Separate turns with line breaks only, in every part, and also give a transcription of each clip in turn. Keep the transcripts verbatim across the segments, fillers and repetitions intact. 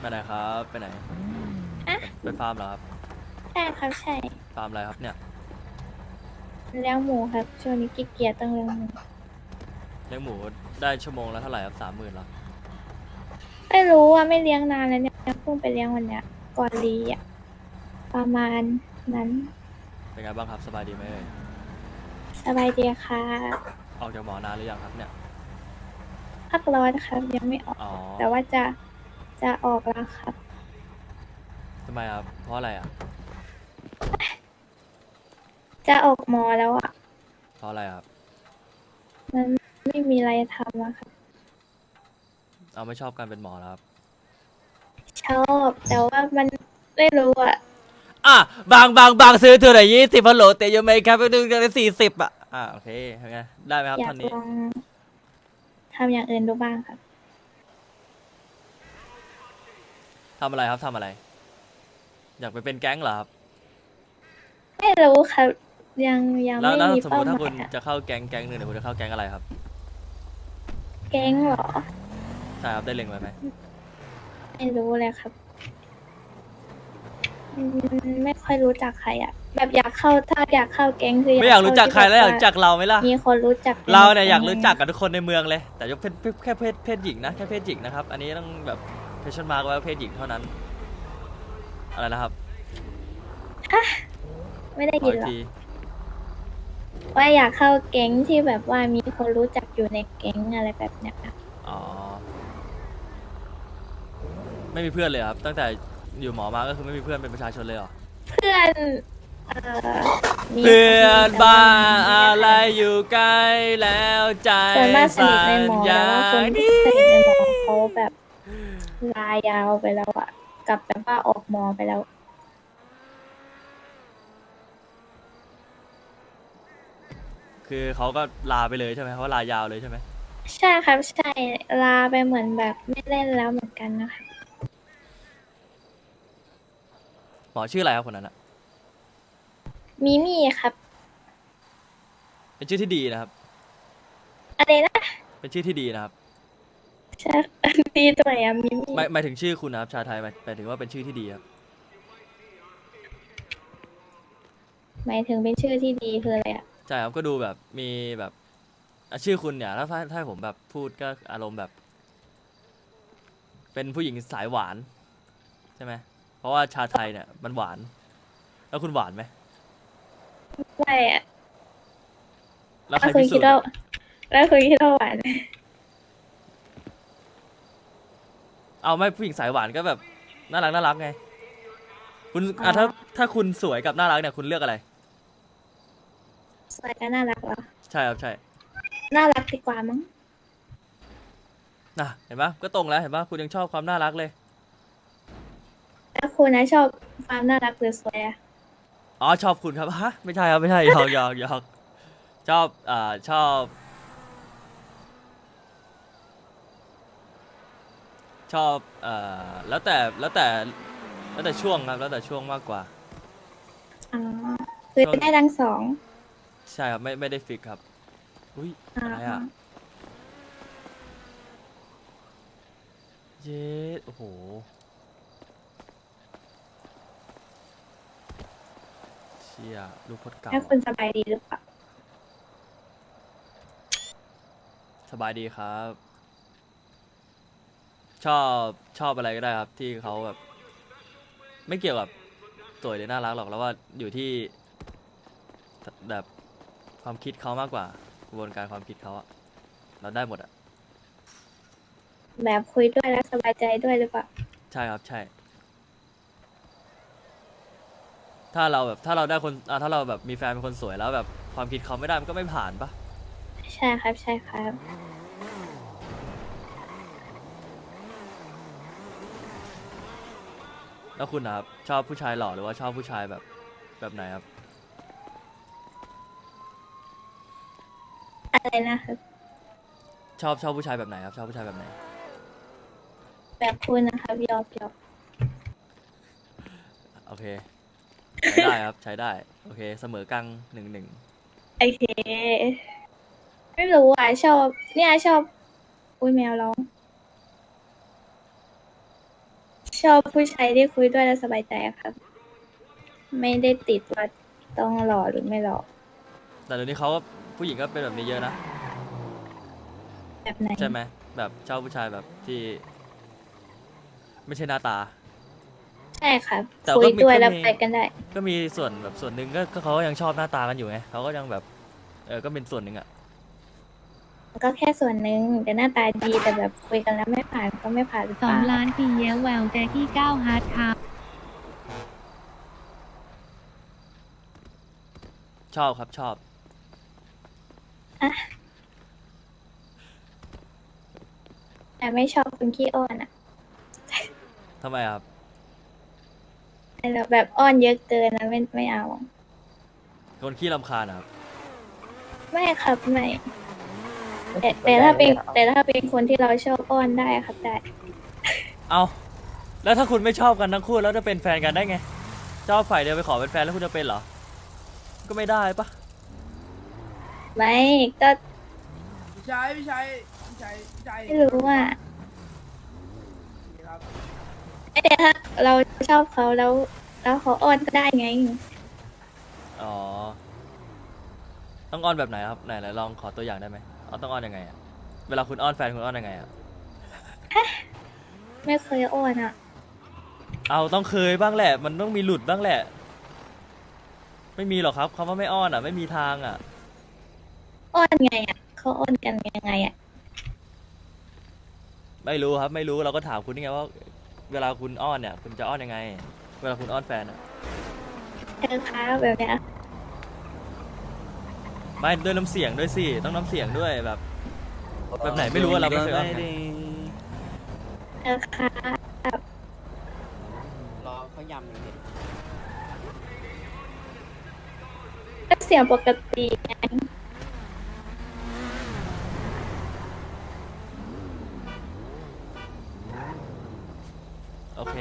ไปไหนครับไปไหน
อะ
ไปฟาร์มเหรอครับ
ใช่ครับใช่
ฟาร์มอะไรครับเนี่ย
เลี้ยงหมูครับช่วงนี้ขี้เกียจต้องเลี้ยงหมู
เลี้ยงหมูได้ชั่วโมงละเท่าไหร่ครับสามหมื่นเหรอ
ไม่รู้ว่าไม่เลี้ยงนานแล้วเนี่ยเพิ่งไปเลี้ยงวันเนี้ยก่อนรีอ่ะประมาณนั้น
เป็นไงบ้างครับสบายดีไหมเอ่ย
สบายดีค่ะ
ออกจากหมอนานหรือยังครับเนี่ย
พักร้อนครับยังไม่ออก
อ๋อ
แต่ว่าจะจะออกแล้วครับ
ทำไมครับเพราะอะไรอ่ะ
จะออกมอแล้วอ่ะ
เพราะอะไรครับ
มันไม่มีอะไรทำอะครับ
เอาไม่ชอบการเป็นหมอแล้วครับ
ชอบแต่ว่ามันไม่รู้อ่ะ
อ่ะบางบางบางซื้อเท่าไหร่ยี่สิบพันโหลเตยยังไงครับไปดูกันเลยสี่สิบอ่ะอ่ะโอเคเป็นไงได้ไหมครับ
อยาก
ท่อนนี้
ลองทำอย่างอื่นดูบ้างครับ
ทำอะไรครับทำอะไรอยากไปเป็นแก๊งเหรอครับ
ไม่รู้ครับยังยัง
แล้วแล้ว
ไม่มี
สมมติถ้าคุณ
เป้าหมายอะ
จะเข้าแก๊งแก๊งหนึ่งเนี่ยคุณจะเข้าแก๊งอะไรครับ
แก๊งเหรอ
ใช่ครับได้เล็งไว้ไหม
ไม่รู้เลยครับ อืมไม่ค่อยรู้จักใครอ่ะแบบอยากเข้าถ้าอยากเข้าแก๊งคืออ
ไม่อยาก
ยากเข้า
รู้จักใคร
ที่แบบว่า
แล้วอยากรู้จักเราไหมล่ะ
มีคนรู้จักกัน
เรา
ใน
เนี่ยอยากรู้
แก๊งอะไร
จักกับทุกคนในเมืองเลยแต่ยกเพศแค่เพศเพศหญิงนะแค่เพศหญิงนะครับอันนี้ต้องแบบเพชชั่นมาร์กไว้ว่าเพศหญิงเท่านั้นอะไรนะครับ
ไม่ได้
ขออีกที
ยินหรอกว่าอยากเข้าแก๊งที่แบบว่ามีคนรู้จักอยู่ในแก๊งอะไรแบบเนี้ย
อ๋อไม่มีเพื่อนเลยครับตั้งแต่อยู่หมอมาก็คือไม่มีเพื่อนเป็นประชาชนเลยเหรอ
เพื่อนเอ่อมีค
เพื่
รับ
อน
มีแต่ว่า
บ้า
ไม่ได้
อะไร
ถ่าย
อยู่ใกล้แล้วใจ
ส่วนมากสนิ
สั่
ทใน
น
มอ
อย่า
แต่ว่าคน
ง
ที่
นี้
สนิทในมอเขาแบบลายาวไปแล้วอ่ะกลับแบบว่าออกมอไปแล้ว
คือเขาก็ลาไปเลยใช่ไหมเขาลายาวเลยใช่ไหม
ใช่ครับใช่ลาไปเหมือนแบบไม่เล่นแล้วเหมือนกันนะคะ
หมอชื่ออะไรครับคนนั้นอะ
มิมี่ครับ
เป็นชื่อที่ดีนะครับ
อะไรนะ
เป็นชื่อที่ดีนะครับ
ใช่ตีตัวไหนอะมิมี่
หมายหมายถึงชื่อคุณนะครับชาไทยหมายหมายถึงว่าเป็นชื่อที่ดีครับ
หมายถึงเป็นชื่อที่ดีคืออะไรอะ
ใช่ครับก็ดูแบบมีแบบอ่ะชื่อคุณเนี่ยถ้าถ้าถ้าผมแบบพูดก็อารมณ์แบบเป็นผู้หญิงสายหวานใช่ไหมเพราะว่าชาไทยเนี่ยมันหวานแล้วคุณหวานไหม
ไม่อะ
แล้วใค
แล้วคุณคิดว่า
รพิสูจน์อะ
แล้วคุณคิดว่าหวานไหม
เอาไม่ผู้หญิงสายหวานก็แบบน่ารักน่ารักไงคุณ
อ๋อ
อ่ะถ้าถ้าคุณสวยกับน่ารักเนี่ยคุณเลือกอะไร
สวยก็น่ารักเหรอ
ใช่ครับใช่
น่ารักดีกว่ามั้ง
น่ะเห็นปะก็ตรงแล้วเห็นปะคุณยังชอบความน่ารักเลย
แล้วคุณนะชอบความน่ารักหรือสวยอะ
อ๋อชอบคุณครับฮะไม่ใช่ครับไม่ใช่หยอกหยอกหยอกชอบอ่าชอบชอบเอ่อแล้วแต่แล้วแต่แล้วแต่ช่วงครับแล้วแต่ช่วงมากกว่า
อ๋อคือ
ช่วง
ได้ทั้งสอง
ใช่ครับไม่ไม่ได้ฟิกครับอุ้ย
อ๋
อะไรอ่ะ
อ
เย็ดโอ้โหเชี่ยลูกพดเก่าอ่ะ
แล้วคุณสบายดีหรือเปล่า
สบายดีครับชอบชอบอะไรก็ได้ครับที่เขาแบบไม่เกี่ยวกับสวยหรือน่ารักหรอกแล้วว่าอยู่ที่แบบความคิดเขามากกว่ากระบวนการความคิดเขาอะเราได้หมดอะ
แบบคุยด้วยแล้วสบายใจด้วยหรือเปล่า
ใช่ครับใช่ถ้าเราแบบถ้าเราได้คนอ่ะถ้าเราแบบมีแฟนเป็นคนสวยแล้วแบบความคิดเขาไม่ได้มันก็ไม่ผ่านปะ
ใช่ครับใช่ครับ
แล้วคุณนะครับชอบผู้ชายหล่อหรือว่าชอบผู้ชายแบบแบบไหนครับ
อะไรนะครับ
ชอบชอบผู้ชายแบบไหนครับชอบผู้ชายแบบไหน
แบบคุณนะครับยอมยอม
โอเคใช้ได้ครับใช้ได้โอเคเสมอกลางหนึ่งหนึ่ง
โอเคไม่รู้อ่ะชอบเนี่ยชอบอุ้ยแมวร้องชอบผู้ชายที่คุยด้วยแล้วสบายใจอะครับ ไม่ได้ติดว่าต้องหล่อหรือไม่หล่อ
แต่เดี๋ยวนี้เขาก็ผู้หญิงก็เป็นแบบนี้เยอะนะ
แบบไหน
ใช่ไหมแบบชอบผู้ชายแบบที่ ไม่ใช่หน้าตา
ใช่ครับ
แต่ก็
คุย
มี
ด้วย
ก็
แล้ว
มี
ไปกันได้
ก็มีส่วนแบบส่วนหนึ่งก็ก็เขาก็ยังชอบหน้าตากันอยู่ไงเขาก็ยังแบบเออก็เป็นส่วนหนึ่งอะ
ก็แค่ส่วนหนึ่งแต่หน้าตาดีแต่แบบคุยกันแล้วไม่ผ่านก็ไม่ผ่านหรือ
ส
เป
อง
ล่า
ล้านปีแย้วแววแจ็คกี้เก้าฮาร์ดครับ
ชอบครับชอบ
แต่ไม่ชอบคนขี้อ้อนอะ
ทำไมอะครับ
แต่แบบอ้อนเยอะเกินนะไม่ไม่เอา
คนขี้รำคาญอะครับ
ไม่ครับไม่แต่แต่ถ้าเป็นแต่ถ้าเป็นคนที่เราชอบอ้อนได้ครับได้
เอาแล้วถ้าคุณไม่ชอบกันทั้งคู่แล้วจะเป็นแฟนกันได้ไงชอบฝ่ายเดียวไปขอเป็นแฟนแล้วคุณจะเป็นเหรอ ก็ไม่ได้ปะ
ไม่ก็
พี่ชายพี่ชายพี่ชายพี่ชาย
ไม่รู้อ่ะ
ครับ
แต่ถ้าเราชอบเขาแล้ว แล้วเขาอ้อนก็ได้ไง
อ๋อต้องอ้อนแบบไหนครับไหนไหนลองขอตัวอย่างได้ไหมเอาต้องอ้อนยังไงอะเวลาคุณอ้อนแฟนคุณอ้อนยังไงอะ
ไม่เคยอ้อนอ่ะ
เอาต้องเคยบ้างแหละ มันต้องมีหลุดบ้างแหละ ไม่มีหรอกครับคำว่าไม่อ้อนอ่ะ ไม่มีทางอ่ะ
อ้อนไงอ่ะเขาอ้อนกันยังไงอ่ะ
ไม่รู้ครับไม่รู้เราก็ถามคุณนี่ไงว่า เวลาคุณอ้อนเนี่ย คุณจะอ้อนยังไง เวลาคุณอ้อนแฟนอ่ะ
เธอคะแบบเนี้ย
ไม่ด้วยน้ำเสียงด้วยสิต้องน้ำเสียงด้วยแบบ แบบไหนไม่รู้อะเราไม่เคยอ้อนไง
เธอคะ
รอเขายำเลย
ก็เสียงปกติไง
โอเค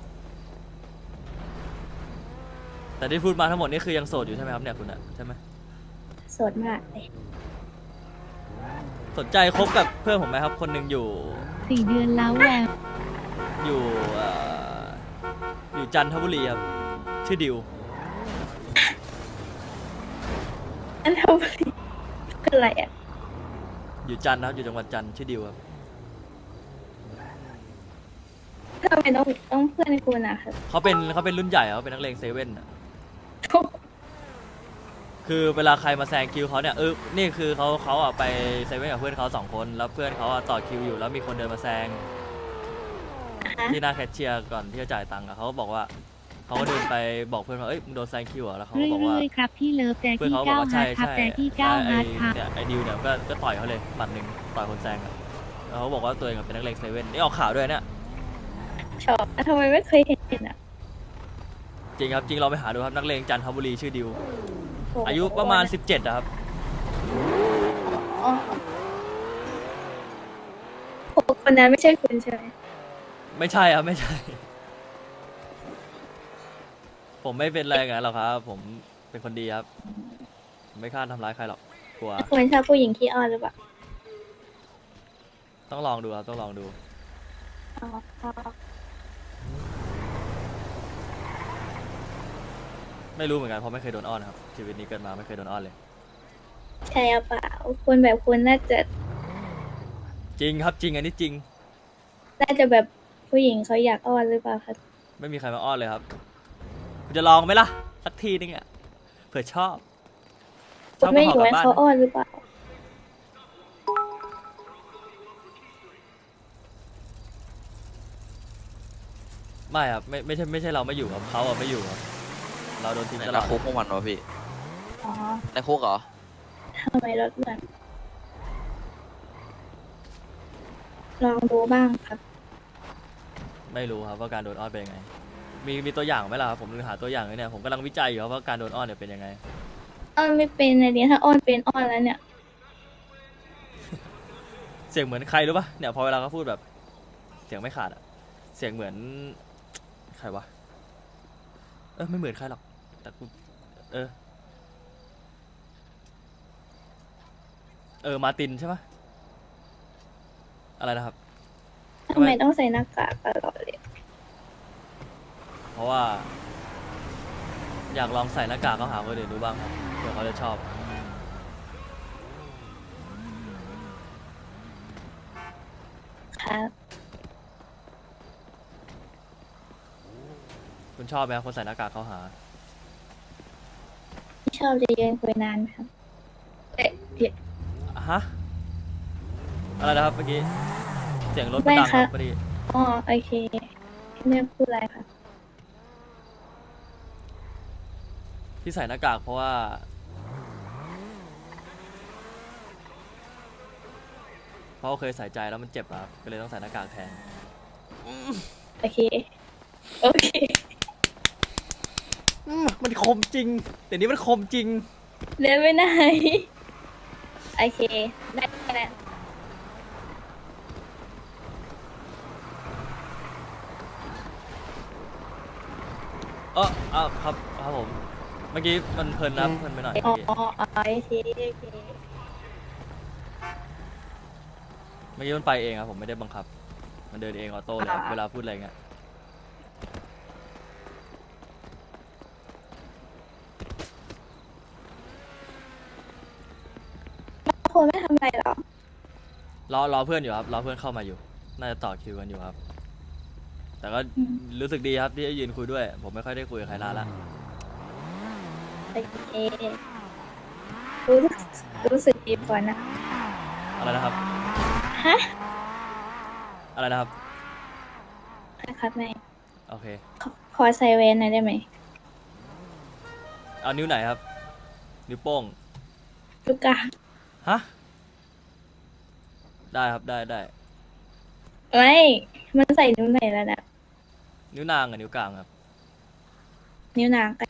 แต่ที่พูดมาทั้งหมดนี่คือยังโสดอยู่ใช่ไหมครับเนี่ยคุณอะใช่ไหม
โสดมากเลย
สนใจคบกับเพื่อนผมไหมครับ คนหนึ่งอยู่
สี่เดือนแล้วแวว
อยู่เอ่ออยู่จันทบุรีครับชื่อดิว
อันทำอะไรคืออะไรอ่ะ
อยู่จันทร์นะครับอยู่จังหวัดจันทร์ชื่อดิวครับ
ทำไมต้องต้องเพื่อนคุณอ่ะครับ
เขาเป็นเขาเป็นรุ่นใหญ่เขาเป็นนักเลงเซเว่นอะคือเวลาใครมาแซงคิวเขาเนี่ยเออนี่คือเขาเขาอ่ะไปเซเว่นกับเพื่อนเขาสองคนแล้วเพื่อนเขาอ่ะต่อคิวอยู่แล้วมีคนเดินมาแซง
ฮะ
ที่หน้าแคชเชียร์ก่อนที่จะจ่ายตังค์อะเขาก็บอกว่าเขาก็เดินไปบอกเพื่อนว่าเอ้ยมึงโดนแซงคิวเหรอแล้วเขาก็บอกว่า
เรื่อยๆครับพี่เลิฟแจ็ค
เพื่อน
กี้
เขาบอก
เก้า
ว่า
ฮา
ใช่
ร์ดครับ
ใช่
แจ็คกี้เก้า
ไอ้
ฮาร์ดครับ
เนี่ยไอ้ดิวเนี่ยก็ก็ต่อยเขาเลยหมัดหนึ่งต่อยคนแซงอะแล้วเขาบอกว่าตัวเองอะเป็นนักเลงเซเว่นนี่ออกข่าวด้วยเนี่ย
ชอบทำไมไม่เคยเห็นอ่ะ
จริงครับจริงเราไปหาดูครับนักเลงจันทบุรีชื่อดิว
โห
อายุประมาณสิบเจ็ดอะครับ
อ๋อโหคนนั้นไม่ใช่คุณใช่ไหม
ไม่ใช่ครับไม่ใช่ ผมไม่เป็นอะไรงั้นหรอกครับ ผมเป็นคนดีครับผมไม่ฆ่าทำร้ายใครหรอกกลัว
คุณชอบผู้หญิงขี้อ้อนหรือเปล่า
ต้องลองดูครับต้องลองดู
อ๋อ
ไม่รู้เหมือนกันเพราะไม่เคยโดนอ้อนครับชีวิตนี้เกิดมาไม่เคยโดนอ้อนเลย
ใช่หรือเปล่าคุณแบบคุณน่าจะ
จริงครับจริงอันนี้จริง
น่าจะแบบผู้หญิงเขาอยากอ้อนหรือเปล่าครับ
ไม่มีใครมาอ้อนเลยครับคุณจะลองไหมล่ะสักทีนึงอ่ะเผื่อชอบช
คุ
อ
ณ
บ
ไม่
ก็
อ
ขอกลับบ้าน
ยู่ให้เขาอ้อนหรือเปล่า
ไม่ครับไม่ไม่ใช่ไม่ใช่เราไม่อยู่ครับเขาอะไม่อยู่ครับเราโดนทิ้ง
ไหน
ตล
ใน
อด
คุกเมื่อวันวะพี่
อ๋อ
ในคุกเหรอ
ทำไมรถเหมือนลองดูบ้างครับ
ไม่รู้ครับว่าการโดนอ้อนเป็นยังไง มีมีตัวอย่างไหมล่ะครับผมนึกหาตัวอย่างเลยเนี่ยผมกำลังวิจัยอยู่ครับว่าการโดนอ้อนเนี่ยเป็นยังไง
อ้อนไม่เป็นเลยเนี่ยถ้าอ้อนเป็นอ้อนแล้วเนี่ย
เสียงเหมือนใครรู้ปะเนี่ยพอเวลาเขาพูดแบบ เสียงไม่ขาดอะเสียงเหมือนใครวะเออไม่เหมือนใครหรอกแต่กูเออเออมาร์ตินใช่ปะอะไรนะครับ
ทำไมต้องใส่หน้ากากตลอดเลย
เพราะว่า อยากลองใส่หน้ากากเขาหาคนอื่นดูบ้างครับเผื่อเขาจะชอบ
ครับ
คุณชอบไหมครับคนใส่หน้ากากเขาหา
ชอบจะยืนคุยนานครับ เอ๊ะเดี๋ยว
ฮะ อะไรนะครับเมื่อกี้ เสียงรถ
ไม่
มันดัง
ค
ค
รั
รับ บพอดี
อ๋อโอเคไม่พูดอะไรครับ
ที่ใส่หน้ากากเพราะว่า เพราะเขาเคยใส่ใจแล้วมันเจ็บอะครับก็เลยต้องใส่หน้ากากแทน
โอเค โอเค
อืมมันคมจริงเดี๋ยวนี้มันคมจริง
เดินไปไหน โอเค ได้แล้ว
เอออ่ะครับครับผม เมื่อกี้มันเพลินนะครับเพลินไปหน่อย
อ๋อ
เมื่อกี้
อ๋อโอเคโอเค
เมื่อกี้มันไปเองครับผมไม่ได้บังคับ มันเดินเองออโต้เลยครับเวลาพูดอะไรเงี้ย
คนไม่ทำอะไรหรอ
รอรอเพื่อนอยู่ครับรอเพื่อนเข้ามาอยู่ น่าจะต่อคิวกันอยู่ครับ แต่ก็
อืม
รู้สึกดีครับที่ได้ยืนคุยด้วย ผมไม่ค่อยได้คุยกับใครนานละ
โอเค รู้สึกรู้สึกดีก่อนนะ
อะไรนะครับ
ฮะ
อะไรนะครับ
นะครับแม่
โอเค
ขอขอใส่เวนหน่อยได้ไหม
เอานิ้วไหนครับ นิ้วโป้ง
ลูกกา
ฮะ ได้ครับได้ได้
ไม่ มันใส่นิ้วไหนแล้วนะ
นิ้วนางกับนิ้วกลางครับ
นิ้วนางกัน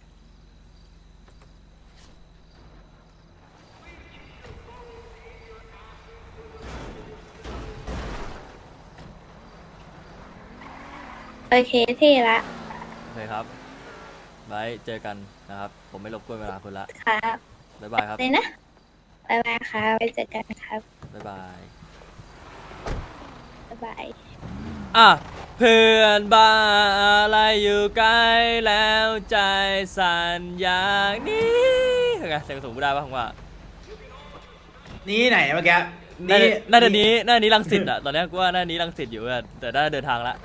โอเคเท่ละ
โอเคครับ ไว้เจอกันนะครับ ผมไม่รบกวนเวลาคุณละ
ครับ
บ๊ายบายครับ
เลยนะบ๊ายบายครับไปเจอกันครับ
บ๊ายบาย
บ๊ายบาย
อ่ะ เพื่อนบ้านอะไรอยู่ใกล้แล้วใจสั่นอย่างนี้ไงเสียงสูงไม่ได้ป่ะผมว่า
นี่ไหนเมื่อกี้
น่าจะน่าจะนี้น่าจะนี้รังสิตอะตอนเนี้ยกูว่าน่าจะนี้รังสิตอยู่อะแต่น่าจะเดินทางละ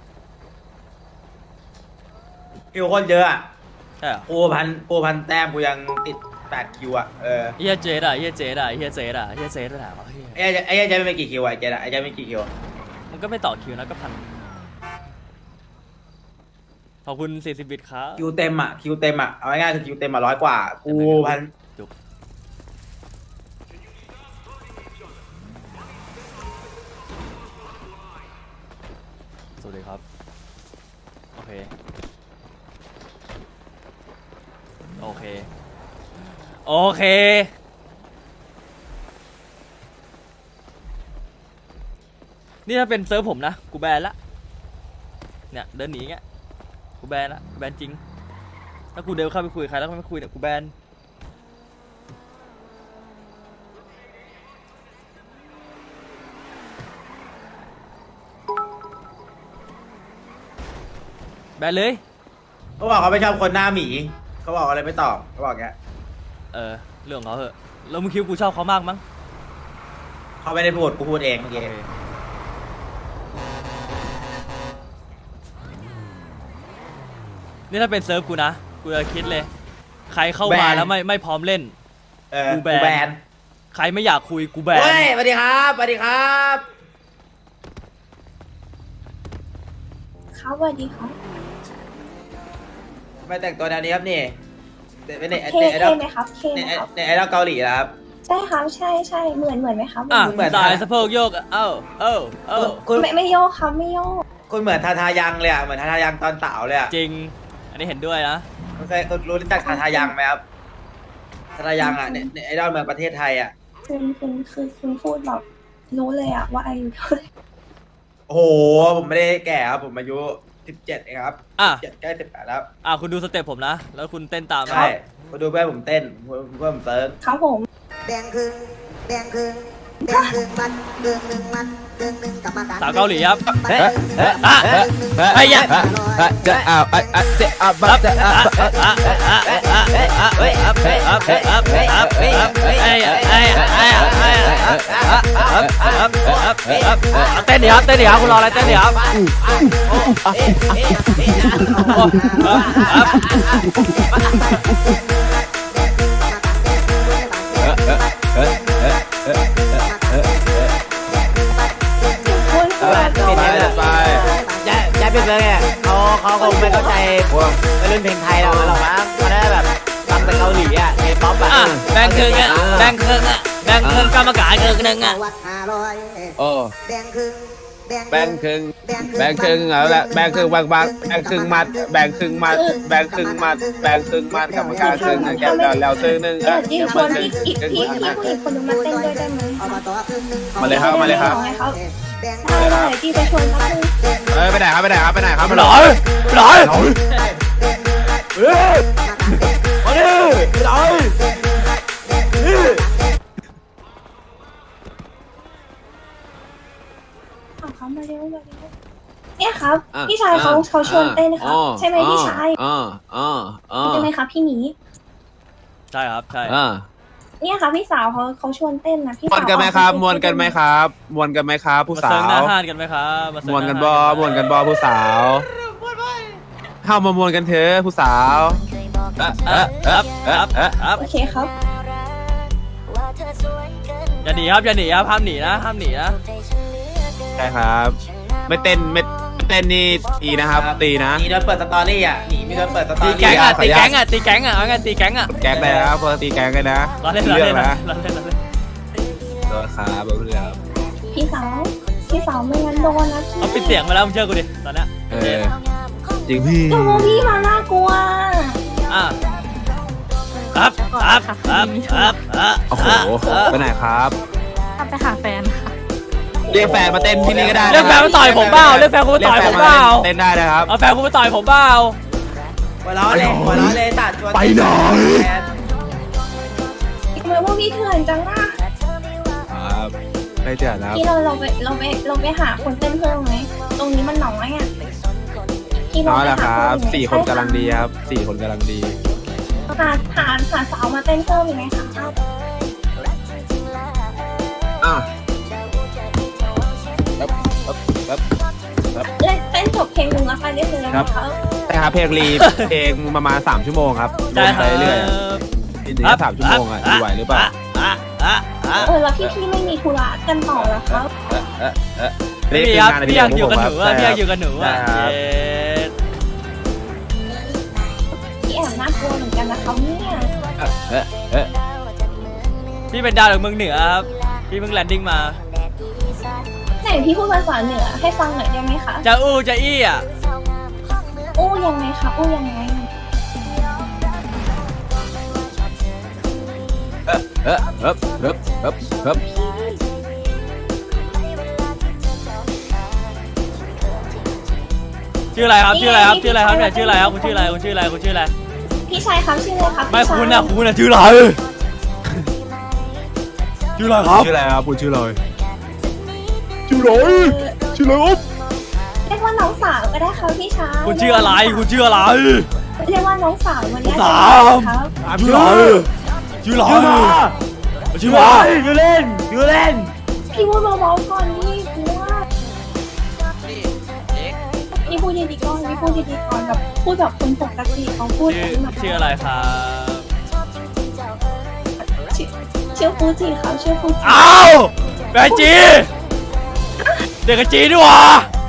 คิวคนเยอะอ่ะ
ใช่เหรอ
กูพันกูพันแต้มกูยังติดแปดคิวอ่ะเออ
เฮียเจดอะเฮียเจดอะเฮียเจดอะเฮียเจดไปไหนวะเฮีย
ไอ้เจ๊ไอ้เจ๊ไม่กี่คิวอ่ะไอ้เจ๊อะไอ้เจ๊ไม่กี่คิว
มันก็ไม่ต่อคิวนะก็พันขอบคุณสี่สิบบิตครับ
คิวเต็มอ่ะคิวเต็มอ่ะเอาง่ายๆคือคิวเต็มอ่ะร้อยกว่ากูพัน
จุกสวัสดีครับ โอเค โอเค โอเค นี่ถ้าเป็นเซิร์ฟผมนะ กูแบนละ เนี่ย เดินหนีเงี้ย กูแบนละกูแบนจริง ถ้ากูเดินเข้าไปคุยกับใครแล้วไม่คุยเนี่ย กูแบน แบนเลย
เขาบอกเขาไม่ชอบคนหน้าหมีเขาบอกอะไรไม่ตอบเขาบอกแก
เออ เรื่องของเขาเหอะ แล้วมึงคิดว่ากูชอบเขามากมั้ง
เขาไม่ได้พูดกูพูดเองเมื่อกี้
โอเคนี่ถ้าเป็นเซิร์ฟกูนะ กูจะคิดเลย ใครเข้ามาแล้วไม่ไม่พร้อมเล่น
เออ
กู
กู
แบน
แบน
ใครไม่อยากคุยกูแบน
เฮ้ยสวัสดีครับสวัสดีครับ
ครับสวัสดีครับ
ทำไมแต่งตัวแนวนี้ครับนี่เป็นเน็ต
เค
เน็ตไอ
เค
ดอล
ไหมครับเค
เน็ต
ไหมครับ
เน็ตไอดอลเกาหลีนะครับ
ใช่ครับใช่ใช่เหมือนเหมือนไหมครับ
อ่ะ
เหมือน
สายสะโพกโยก เอ้าเอ้าเอ้า
คุณ
ไม่ไม่โยกครับไม่โยก
คุณเหมือนทาทายังเลยอ่ะเหมือนทาทายังตอนสาวเลยอ่ะ
จริง อันนี้เห็นด้วยนะ
คุณเคยคุณรู้จักทาทายังไหมครับทาทายังอ่ะเน็ตเน็ตไอดอลเมืองประเทศไทยอ่ะ
คุณคุณคือคุณพูดแบบรู้เลยอะว่าอายุเท่าไหร่
โอ้โหผมไม่ได้แก่ครับผมอายุสิบเจ็ดเองครับ
อ่ะ
เจ็ดใกล้สิบแปดแล้ว
อ่ะคุณดูสเต็ปผมนะ แล้วคุณเต้นตามนะ
ใช่มาดูเพื่อนผมเต้นเพื่อนผมเซิร์ฟ
ครับผม
แดงคือแดงคือ
สาวเกาหลีครับ
เฮ้ยเฮ้ย
อ่ะ
เฮ้ย
ไอ้ยะ
จะเอาไอ้ไอ้จะเอาบัจะเอา
เต้นดิครับเต้นดิครับคุณรออะไรเต้นดิครับ
คุณคุณ
ไปไป
ย้ายย้ายเป็นเมืองเนี่ยเขาเขาคงไม่เข้าใจวัยรุ่นเพลงไทยเราหรอกมั้งเขาได้แบบฟังแต่เกาหลีอ่ะเคป๊อปอ่ะ
อ่ะแบ่งครึ่งอ่ะแบ่งครึ่งอ่ะแบ่งครึ่งกรรมการครึ่งหนึ่งอ่ะ
โอ้แบ่งครึ่งแบ่งครึ่งแบ่งครึ่งเอาละแบ่งครึ่งบางบางแบ่งครึ่งมัดแบ่งครึ่งมัดแบ่งครึ่งมัดแบ่งครึ่งมัดกรรมการครึ่งแก้วแล้วครึ่งหนึ่ง
เอ
อ่ะ
อยิ่งชวนพี่อีกพี่พี่ผู้หญิงคนนึงมาเต้นด้วยได้ไหม
มาเลยครับมาเลยครับ
ได้เลยพี่ไปชวนเขาคือ
เอ้ยไปไหนครับไปไหนครับไปไหนครับ
ไปหน่อยไปหน่อย
เฮ้ยมาดิไปไหน
เอาเขามาเร็วมาเร็วเนี่ยครับพี่ชายเขาเขาชวนเต้นครับใช่ไหมพี่ชาย
อ่าอ่าอ่า
ใช่ไหมครับพี่หมี
ใช่ครับใช่
อ่า
เนี่ยค่ะพี่สาวเขาเขาชวนเต้นนะพี่
ม
สาว
วนกันไหมครับมวนกันไหมครับมวนกันไหมครับผู้
มา
สา
เซิร์งหน้าว ห้านกันไหมครับ
มวนกันบอมวนกันบอผู้สาวเข้ามามวนกันเถอะผู้สาวเอ๊ะ
ค
เอ๊ะ
รับ
เอ๊ะ
ครับ
เอ๊ะ
ครับ
โอเคครับ
อย่าหนีครับอย่าหนีครับห้ามหนีนะห้ามหนีนะ
ใช่ครับ ไม่เต้นไม่เต้นนี่ตีนะครับ ตีนะ
หนีโดนเปิดสตอรี่อ่ะหนีไม่โดนเปิดสตอ
ตี
รี่
แก๊งอ่ะ
ขออ
ตี
นุญาต
แก๊งอ่ะตีแก๊งอ่ะเอาไงตีแก๊งอ่ะ
แก๊งเลยนะครับเพื่อตีแก๊งกันนะ
เราเล่นเรา
เรื่
เล่
อนงนะ
เราเล่นเราเล่น
โดนครับเอาเรื่อง
พี่สาวพี่สาวไม่งั้นโดนนะพี่
เขาปิดเสียงไปแล้วมึงเชื่อกูดิตอนเนี้ย
เออจริงพี่
โอ้พี่มาน่ากลัว
อ่ะครับครับครับครับครับ
โอ้โหไปไหนครับ
ไปหาแฟนค่ะ
เรียกแฟนมาเต้นที่นี่ก็ได้ะ
เรียกแฟนมาต่อยผมเปล่าเรียกแฟนกูมาต่อยผมเปล่า
เต้นได้นะครับ
เอาแฟนกูมาต่อยผมเปล่า
หัวเราะเลยหัวเราะเลยตัดชวน
ไปหน่อย
ทำไมพวกพี่เถื่อนจังล่ะ
ครับไม่เจอแล้ว
พี่เราเราไปเราไปเราไปหาคนเต้นเพิ่มไหมตรงนี้มันหนองไอ่ะพี่
น้อย
ไป
แล้วค
หา
รับ
เพิ่มไหม
สี่คนกำลังดีครับสี่คนกำลังดี
หาหาหาสาวมาเต้นเพิ่มอีกไหมคะ
อ่ะ
เล่นเต้นจบเพลงหนึ่งแล้วไปได้เลยนะคะ
ใช่ครับเพลงรีเพลงประมาณสามชั่วโมงครับ
ใช่
วน
ค
ไป
รับ
เรื่อยๆทีนี้สามชั่วโมงอ่ะอยู่ไหวหรือเปล่า
อ่ะอ่ะอ่ะ
เออแล้วพี่พี่ไม่มีธุระกันต่อเหรอครับ
เอ๊ะเอ๊ะเอ๊ะ
ไม่มีครับพี่อยากอยู่กับหนูอ่ะพี่อยากอยู่กับหนูอ่ะ
ใช่ครับ
เย้
พี่แอบน่ากลัวเหมือนกันนะคะเนี่ย
เอ๊ะเอ๊ะ
พี่เป็นดาวจากเมืองเหนือครับพี่เพิ่งแลนดิ้งมา
ไหนพี่พูดภาษาเหนือให้ฟังหน่อยได้ไหมคะ
จะอู้จะอี้อ่ะ
อู้ยังไงคะอู้ยังไง
เอ๊ะเอ๊ะเอ๊ะเอ๊ะเอ๊ะเอ๊ะ
ชื่ออะไรครับชื่ออะไรครับชื่ออะไรครับเนี่ยชื่ออะไรครับคุณชื่ออะไรคุณชื่ออะไรคุณชื่ออะไร
พี่ชายครับชื่ออะไรครับ
ไม่
พี่ชาย
คุณอ่ะคุณอ่ะชื่ออะไรชื่ออะไรครับ
ชื่ออะไรครับคุณชื่ออะไร
ชื่ออะไรชื่ออะไรครับเรียกว่าน้องสาวก็ได้ครับพี่ชาย
คุณชื่ออะไรคุณชื่ออะไร
เรียกว่าน้องสาววันนี้
สาม
ครับ
ชื่ออะไรชื่ออะไรชื่ออะไร
อยู่เล่นอยู่เล่น
พี่พูดเบาๆก่อนนี่กลัวพี่พูดดีๆก่อนพี่พูดดีๆก่อนแบบพูดแบบคนปกติเขาพูด
ชื่อ
กันแบบ
ชื่ออะไรครับ
ชื่อชื่อฟูจิครับชื่อฟูจิ
อ้าวแฟนจีเด็กกับจีนี่หว่า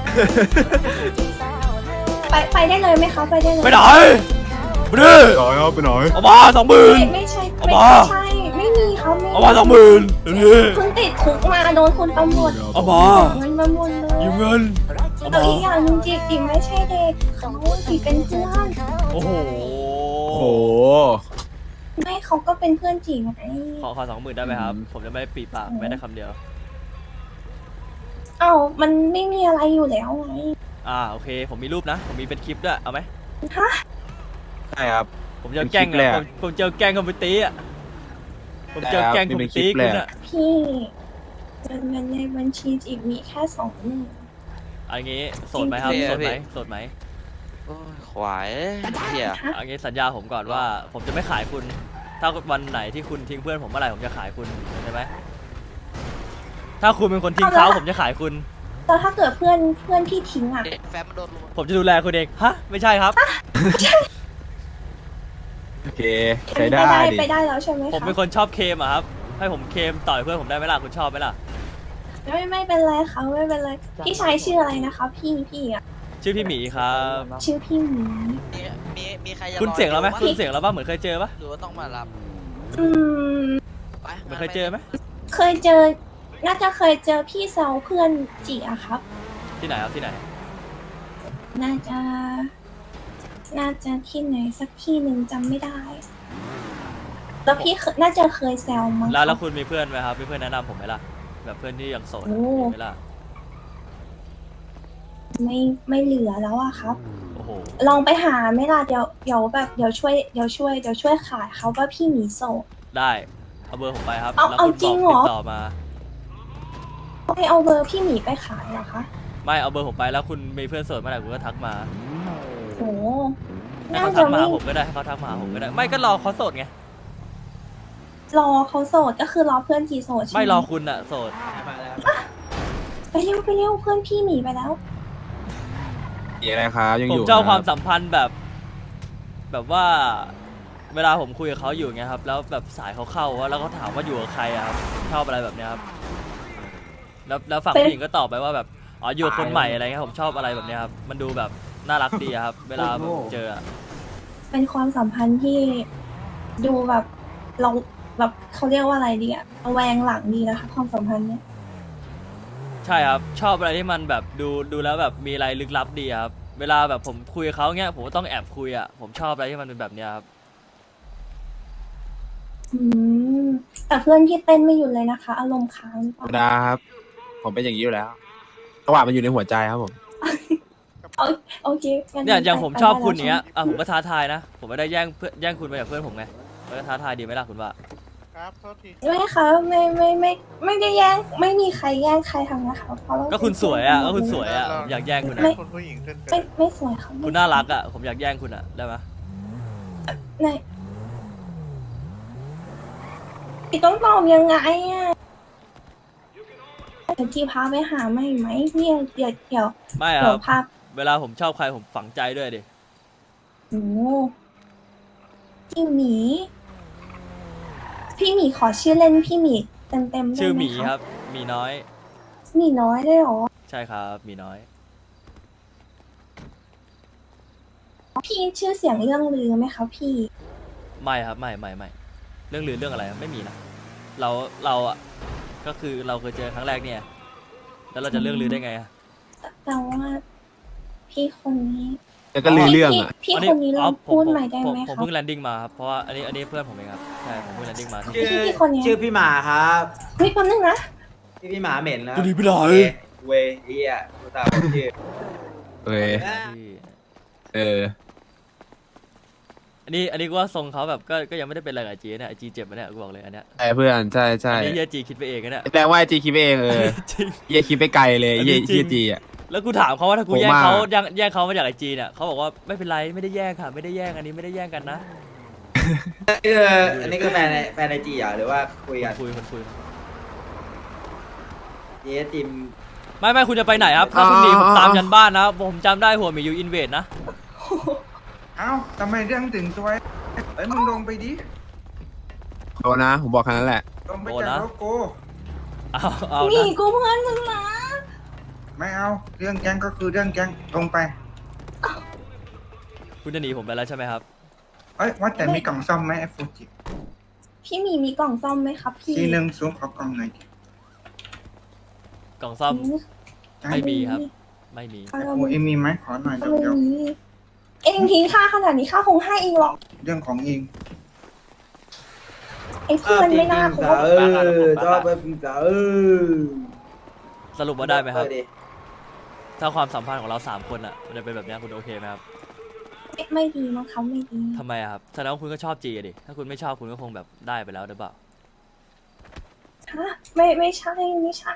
ไปไปได้เลยไหมคะไปได้เลย
ไปไหนไปดิ
ต่อยครับไปหน่อย
เอามาสองหมื่น
ไม่ไม่ใช่
เอา
ไม่
มา
ใช่ไม่มีเขาไม่
เอามาสองหมื่นเดี๋ยวนี้
เพิ่งติดคุกมาโดนคุณตำรวจ
เอามา
เงินมาหมดเลย
ยืมเงินเอา
แล้ว
มา
อีกอย่างหนึงจีบจีบไม่ใช่เด็กเขาจีบเป็นเพื่อน
โอ้โห
โอ้โห
ไม่เขาก็เป็นเพื่อนจีบไง
ขอขอสองหมื่นได้ไหมครับ ผมจะไม่ปีปากไม่ได้คำเดียว
เอ้ามันไม่มีอะไรอยู่แล้วไง
อ่าโอเค ผมมีรูปนะ ผมมีเป็นคลิปด้วยเอาไหม
ฮะ
ใช่ครับ
ผมจะเอาแกล้ง
เป็นคลิปเลย
อะ
อะ
ผมผมจะเอาแกล้งคอมพิวตีอ่ะผมจะเอาแกล้งคอมพิวตี
เป็นคลิปเลย
คุณ
อะ
อ่ะ
พี่
เงินเงินในบัญชีจีมีแค่สองหมื่น
อันนี้โสดไหมครับ
จริงๆ
โสดไหม
พี่
โสดไหม
โอ้ยขวายเฮีย
ฮะ
อันนี้สัญญาผมก่อนว่า ผมจะไม่ขายคุณ ถ้าวันไหนที่คุณทิ้งเพื่อนผมเมื่อไหร่ผมจะขายคุณเข้าใจไหมถ้าคุณเป็นคนทิ้งเขาผมจะขายคุณ
แต่ถ้าเกิดเพื่อนเพื่อนพี่ทิ้งอ่ะ
แฟนมันโดนลุม
ผมจะดูแลคุณเองฮะไม่ใช่ครับ
โอเค
ไป
ใช้ได้
ได้
ดิ
ไปได้แล้วใช่ไหม
ผม
คะ
เป็นคนชอบเคมอะครับ ให้ผมเคมต่อยเพื่อนผมได้ไหมล่ะคุณชอบไหมล่ะ
ไม่ไม่เป็นไรค่ะไม่เป็นไรพี่ชายชื่ออะไรนะคะ พี่พี่อ่ะ
ชื่อพี่หมีครับ
ชื่อพี่หมี
มีมีมีใครจะ
คุณเสียงแล้วไหม
รอ
คุณเสียงแล้วป่ะเหมือนเคยเจอป่ะ
หรือว่าต้องมารับ
อืม
ไป
เหมือนเคยเจอไหม
เคยเจอ น่าจะเคยเจอพี่แซวเพื่อนจีอะครับ
ที่ไหนครับที่ไหน
น่าจะ น่าจะที่ไหนสักที่หนึ่งจำไม่ได้ แล้วพี่เคยน่าจะเคยแซวมั้ง
แล้วแล้ว
ครับ
คุณมีเพื่อนไหมครับมีเพื่อนแนะนำผมไหมล่ะแบบเพื่อนที่ยังโสดอะ
โอ้
มีไหมล่ะ
ไม่ไม่เหลือแล้วอะครับ
โอ้โห
ลองไปหาไหม่ล่ะเดี๋ยวเดี๋ยวแบบเดี๋ยวช่วยเดี๋ยวช่วยเดี๋ยวช่วยขายเขาว่าพี่หมีโสด
ได้เอาเบอร์ผมไปครับ
เอา
แล้ว
เอา
คุณ
จริ
บ
ง
อก
เหรอ
ติดต่อมา
ไปเอาเบอร์พี่หมีไปขายเหรอคะ
ไม่เอาเบอร์ผมไปแล้วคุณมีเพื่อนโสดเมื่อไหร่คุณก็ทักมา
โห
ให้
น่า
เขา
จะ
ทักมา
ไม่
หาผมก็ได้ให้เขาทักมาหาผมก็ได้ไม่ก็รอเขาโสดไง
รอเขาโสดก็คือรอเพื่อนจีโสดใช่ไหม
ไม่รอคุณอะโสด
มาแล้ว
ไปเร็วไปเร็วเพื่อนพี่หมีไปแล้ว
มีอะไรครับยัง
ผ
อ
ม
ยู่
ชอบความ
รับ
สัมพันธ์แบบ แบบว่า เวลาผมคุยกับเขาอยู่เงี้ยครับ แล้วแบบสายเขาเข้าว่าแล้วเขาถามว่าอยู่กับใครอะครับชอบอะไรแบบเนี้ยครับแล้วแล้วฝั่ง
เป็น
ผู้หญิงก็ตอบไปว่าแบบอ๋ออยู่กับคนใหม่อะไรเงี้ยผมชอบอะไรแบบเนี้ยครับมันดูแบบน่ารักดีอะครับ เวลาผมเจออะ
เป็นความสัมพันธ์ที่ดูแบบเราแบบเขาเรียกว่าอะไรดีอะระแวงหลังดีนะคะความสัมพันธ์เนี้ย
ใช่ครับ ชอบอะไรที่มันแบบดูดูแล้วแบบมีอะไรลึกลับดีอะครับ เวลาแบบผมคุยกับเขาเงี้ยผมก็ต้องแอบคุยอะผมชอบอะไรที่มันเป็นแบบเนี้ยครับ
อืมแต่เพื่อนพี่เต้นไม่หยุดเลยนะคะ อารมณ์ค้างหรือเป
ธรรม
ล่า
ดาครับ ผมเป็นอย่างนี้อยู่แล้วจังหวะมันอยู่ในหัวใจครับผม
เอาโอเคงั้น
เนี่ยอย่าง
ไป
ผม
ไป
ชอบ
ได้
คุณ
แล้ว
อย่างเงี้ย
ใช่ไหม
อ่ะผมก็ท้าทายนะ ผมไม่ได้แย่งเพื่อนแย่งคุณไปจากเพื่อนผมไงมันก็ท้าทายดีไหมล่ะคุณว่า
ครับโทษที
ไม่ค่ะไม่ไม่ไม่ไม่ได้แย่งไม่มีใครแย่งใครทำนะคะเพราะเรา
ก็คุณสวยอ่ะก็คุณส
เ
วยอ่ะผมอยากแย่งคุณ
ไม่
อ่ะ
คนผู้หญิงขึ้น
ไม่ไม่สวยค่ะไม่
คุณน่ารักอ่ะผมอยากแย่งคุณอ่ะได้ไหม
ไหนพี่ต้องตอบยังไงอ่ะเดี๋ยวที่พาไปหาไม่ไหมพี่เดี๋ยวเดี๋ยว
ไม่ค
เดี๋
รั
ยว
บ
พา
เวลาผมชอบใครผมฝังใจด้วยดิ
โอ้พี่หมี พี่หมีขอชื่อเล่นพี่หมีเต็มเต็มๆได้
ชื่อห
ไหม
มี
คะ
ครับหมีน้อย
หมีน้อยได้หรอ
ใช่ครับหมีน้อย
พี่ชื่อเสียงเรื่องลือไหมคะพี่
ไม่ครับไม่ไม่ไม่เรื่องลือเรื่องอะไรไม่มีนะเราเราอ่ะก็คือเราเคยเจอครั้งแรกเนี่ย แล้วเราจะเรื่องลือได้ไงอ่ะ
แต่ว่าพี่คนนี้
แล้วก็ลือเรื่องอ่ะ
พี่พี่คนนี้ลอง
ผม
พูด
ผม
ใหม่ได้
ผม
ไหม
ผม
คะ
เพิ่งแลนดิ้งมาครับเพราะว่าอันนี้อันนี้เพื่อนผมเองครับใช่ผมเพิ่งแลนดิ้งมา
ชื่อ
พี่พี่คนเนี้ย
ชื่อพี่หมาครับ
เฮ้ยแป๊บนึงนะ
พี่พี่หมาเหม็นนะ
จะดีไปไหน
เวเฮียกูตามชื่อ
เออ เออ
อันนี้อันนี้กูว่าทรงเขาแบบก็ก็ยังไม่ได้เป็นอะไรกับไอจีเนี่ยไอจีเจ็บมาเนี่ยกูบอกเลยอันเนี้ย
ใช่เพื่อนใช่ใช่
อันนี้เฮียจีคิดไปเองนะเนี่ย
แปลว่าจีคิดไปเองเออ
จริง
เยี่ยคิดไปไกลเลย
อันนี้
เยี่ย
จริง
เยี่ยจีอ่ะ
แล้วกูถามเขาว่าถ้ากู
โห
แย่ง
มาก
เขาแย่งแย่งเขามาจากไอจีเนี่ยเขาบอกว่าไม่เป็นไรไม่ได้แย่งค่ะไม่ได้แย่งอันนี้ไม่ได้แย่งกันนะ
คืออันนี้คือแฟนในแฟนในจีเหรอหรือว่าคุยกัน
คุยคนคุย
เยจิม
ไม่ไม่คุณจะไปไหนครับถ้าคุณหนีผมตามยันบ้านนะผมจำได้หัวหมียูอินเวดนะ
เอ้าทำไมเรื่องถึงตัวเอ้ยมึงลงไปดิ
โดนนะ ผมบอกแค่นั้นแหละ
ลงไปจากโลโก้
เอาเอา
หมี
นะ
กูเพื่อนมึงนะ
ไม่เอา เรื่องแก๊งก็คือเรื่องแก๊งลงไป
คุณจะหนีผมไปแล้วใช่ไหมครับ
เอ้ยว่าแต่มีกล่องซ่อมไหมไอฟูจิ
พี่หมีมีกล่องซ่อมไหมครับพี่
ทีหนึ่งซูมขอกล่องหน่อยดิ
กล่องซ่อม ไม่มีครับ ไม่มี
เอา
ไอ
เรา
ฟูเอ็มมีไหมขอหน่อย
เอา
เดี๋ยว
เรา
เดี๋ยว
มีเองทิ้งค่าขนาดนี้ค่าคงให้เองหรอก
เรื่องของเอง
ไอ้เพื่อนไม่น่าค
สา
บ
เออชอบไปพิมพ์สาเออ
สรุปว่าได้ไหมครับ
เออดิ
ถ้าความสัมพันธ์ของเราสามคนอ่ะมันจะเป็นแบบเนี้ยคุณโอเคไหมครับ
ไม่ไม่ดีมั้งเขาไม่ดี
ทำไมอะครับแสดงว่าคุณก็ชอบจีอะดิถ้าคุณไม่ชอบคุณก็คงแบบได้ไปแล้วหรือเปล่า
ฮะไม่ไม่ใช่ไม่ใช่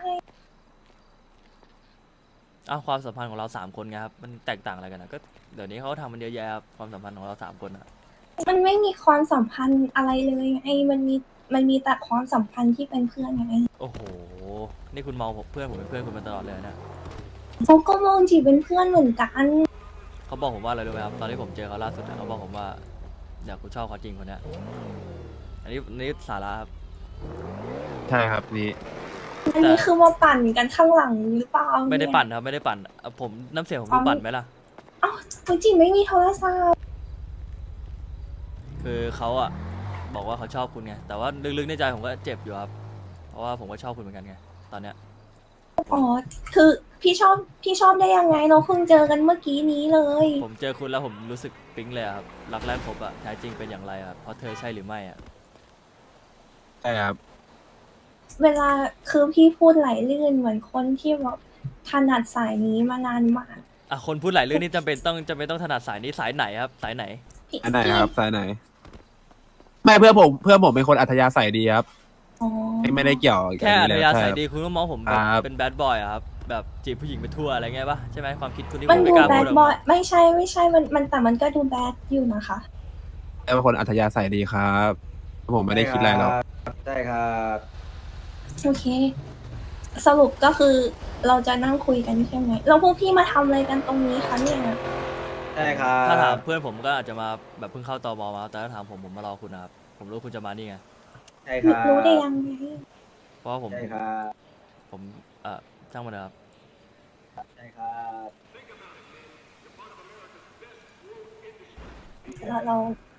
อ้าวความสัมพันธ์ของเราสามคนไงครับมันแตกต่างอะไรกันนะก็เดี๋ยวนี้เขาทำมันเยอะแยะครับความสัมพันธ์ของเราสามคนอะ
มันไม่มีความสัมพันธ์อะไรเลยไงมันมีมันมีแต่ความสัมพันธ์ที่เป็นเพื่อนไง
โอ้โหนี่คุณมองผมเพื่อนผมเป็นเพื่อนคุณมาตลอดเลยนะ
เขาก็มองจีเป็นเพื่อนเหมือนกัน
เขาบอกผมว่าอะไรรู้ไหมครับตอนที่ผมเจอเขาล่าสุดนะเขาบอกผมว่าอยากกูชอบเขาจริงคนเนี้ยอันนี้อันนี้สาระครับ
ใช่ครับนี่
อันนี้คือมาปั่นกันข้างหลังหรือเปล่า
ไม่ได้
เย
ปั่นครับไม่ได้ปั่นอ่ะผมน้ำเสียงผมดูปั่นไหมล่ะ
เอ้าคุณจีไม่มีโทรศัพท์
คือเขาอะบอกว่าเขาชอบคุณไงแต่ว่าลึกๆในใจผมก็เจ็บอยู่ครับเพราะว่าผมก็ชอบคุณเหมือนกันไงตอนเนี้ย
อ๋อคือพี่ชอบพี่ชอบได้ยังไงเราเพิ่งเจอกันเมื่อกี้นี้เลย
ผมเจอคุณแล้วผมรู้สึกปิ๊งเลยอะครับรักแรกพบอะแท้จริงเป็นอย่างไรอะเพราะเธอใช่หรือไม่อะ
ใช่ครับ
เวลาคือพี่พูดไหลลื่นเหมือนคนที่แบบถนัดสายนี้มานานมาก
อ่ะคนพูดหลายเรื่องนี่จำเป็นต้องจำเป็นต้องถนัดสายนี้สายไหนครับสายไหน
พี่
อันไหน
พี่
ครับสายไหน ไม่เพื่อนผมเพื่อนผมเป็นคนอัธยาศัยดีครับ
อ๋อ
ไม่ได้เกี่ยวกับ
แค่อั
น
ธ
นี้เลย
ยา
ใช่
ศัย
ครับ
ดีคุณก็มองผมแบบ
ครับ
เป็นแบดบอยอะครับแบบจีบผู้หญิงไปทั่วอะไรเงี้ยปะใช่ไหมความคิดคุณที่
มัน
ผมไม่
ดู
กล้า
แบ
พู
ด
ดออก
บอ
มาย
ไม่ใช่ไม่ใช่มันมันแต่มันก็ดูแบดอยู่นะคะ
เป็นคนอัธยาศัยดีครับ ผมไม่ได้คิดอะไรหรอก
ใช่ครับ
โอเค สรุปก็คือเราจะนั่งคุยกันใช่ไหมแล้วพวกพี่มาทำอะไรกันตรงนี้คะเนี่ย
ใช่ครับ
ถ้าถามเพื่อนผมก็อาจจะมาแบบเพิ่งเข้าตมมาแต่ถ้าถามผมผมมารอคุณนะครับผมรู้คุณจะมานี่ไง
ใช่ครับ
รู้ได้ยังไง
เพราะว่าผม
ใช่ครับ
ผมเอ่อช่างมันนะครับ
ใช่ครับ
เราเรา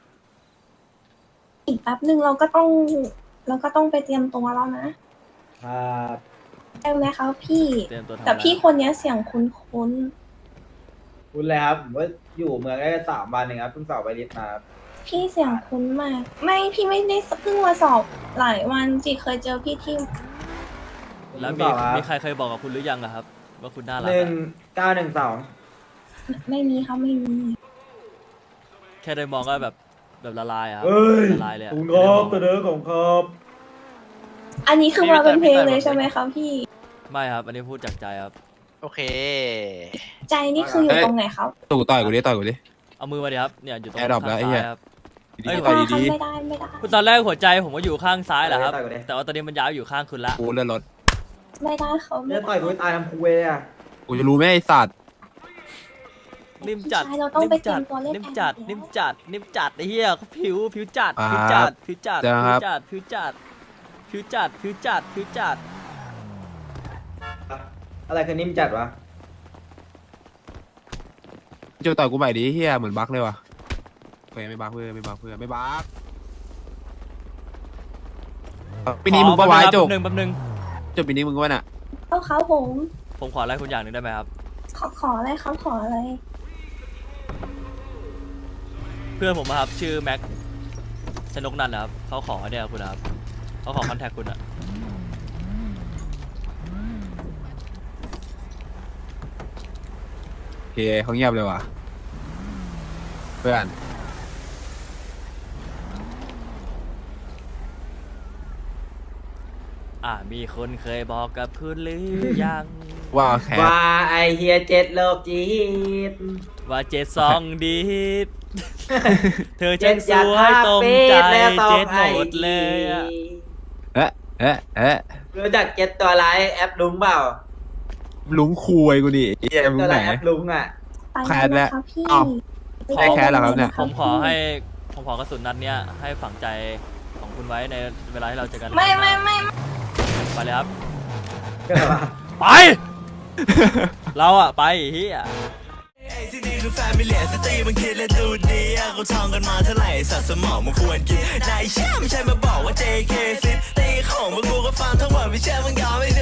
อีกแป๊บหนึ่งเราก็ต้อง เราก็ต้องไปเตรียมตัวแล้วนะครับ ได้ไหมคะพี่
เตรียมตัวทำ
แต่
อะไร
พี่คนเนี้ยเสียงคุ้นคุ้น
คุณเลยครับผมว่าอยู่เมืองได้สามวันเองครับเพิ่งสอบไปลิสต์มาครับ
ๆพี่เสียงคุ้นมาก ไม่พี่ไม่ได้เพิ่งมาสอบหลายวันจีเคยเจอพี่ที่
แล้ว
เพิ่
มี
งสอบครับ
มีใครเคยบอกกับคุณหรือยังอะครับ ว่าคุณน่ารั
ห
ก
นึ่ง
อะ
เก้าหนึ่งสอง
ไม่มีครับไม่มี
แค่ได้มองก็แบบแบบละลายอะครับ
เอ้ย
ละลายเลยอะ
คุณ
ไม่
ค
ได้
รั
ม
บ
อง
ตัวเด้อของครับ
อันนี้คือมาเป็นเพลงเลยใช่ไหมคะพี่
ไม่ครับ อันนี้พูดจากใจครับ
โอเค
ใจนี่คืออยู่ตรงไหนครับ
ตู่ต่อยกูดิต่อยกูดิ
เอามือมาดิครับเนี่ยอยู่ตรง
แอร์ดรอป
ข้าง
แล้วไอ้เหี้
ซ้าย ยครับ เอ้ย
ต่อย
ไม่
ดี
ได้ไม่ได้
คุณตอนแรกหัวใจผมก็อยู่ข้างซ้ายแหละครับ
ต่อยกูดิ
แต่ว่าตอนนี้มันย้ายอยู่ข้างคุณละ
ๆกูเลื่อนรถ
ไม่ได้เขาไม่
เลือด
ได้
ต่อยกูให้ตายทำคุยเลยอ่ะ
กูจะรู้ไหมไอ้สัตว์
นิ่มจัด
ใช่เราต้อง
นิ่
ไป
ม
เตรี
จั
ย
ด
มตัวเล่น
นิ่มจัด
แอร์
นิ่มจัดนิ่มจัดไอ้เหี้ยเขาผิวผิวจัด
อ่า
ผิวจัดผิวจัด
เจอ
ผิ
ครั
ว
บ
จัดผิวจัดผิวจัดผิวจัดผิวจัด
อะไรคือนิ่มจัดวะ
จะต่อยกูใหม่ดิเฮียเหมือนบั๊กเลยว่ะเฮ้ยไม่บั๊กเพื่อนไม่บั๊กเพื่อนไม่บั๊กปีนี้มึงปะวายจบ
แป๊บนึงแป๊บนึง
จบปีนี้มึงวะน่ะ
เอาเขาผม
ผมขออะไรคุณอย่างหนึ่งได้ไหมครับ
ขอขออะไรครับขออะไร
เพื่อนผมอะครับชื่อแม็กชนกนันท์นะครับเขาขอเนี่ยคุณนะครับเขาขอคอนแทคคุณอะ
โอเคเขาเงียบเลยว่ะเพื่อน
อ่ามีคนเคยบอกกับคุณหรือยัง
ว่าแคส
ว่าไอเฮียเจ็ดโลกจีด
ว่าเจ็ดสองดีด เธอ
เจ็
ช่า
ด
งส
อยาก
วย
ฆ่า
ตรง
เฟ
ใจ
สและสอ
เจ็
ง
ด
ไอ
หมดเลยอะ
เอ๊ะเอ๊ะเอ๊ะ
รู้จักเจ็ดตัวร้ายแอปลุงเปล่า
ลุงคุยกูดิเฮียมึง
ตัว
ไหน
ร้ายแอปลุงอ่ะ
ไป
แคสแล้
แล้ว วครับพี่
อ้าว ได้แคสเหรอครับเนี่ย
ผมขอให้ผมขอกระสุนนัดเนี้ยให้ฝังใจของคุณไว้ในเวลาที่เราเจอกัน
ไม่ไม่ไม่
ไปเลยครับ
ก็แบบว่า
ไป เราอะไปเฮีย
ที่นี่คือแฟมิเลียสตรีมันคิดและดูดีอะเขาท่องกันมาเท่าไหร่สัตว์สมองมันควรกินนายเชื่อไม่ใช่มาบอกว่า เจ เค ซิตี้ของพวกกูก็ฟังทั้งหมดไม่เชื่อมึงยอมไม่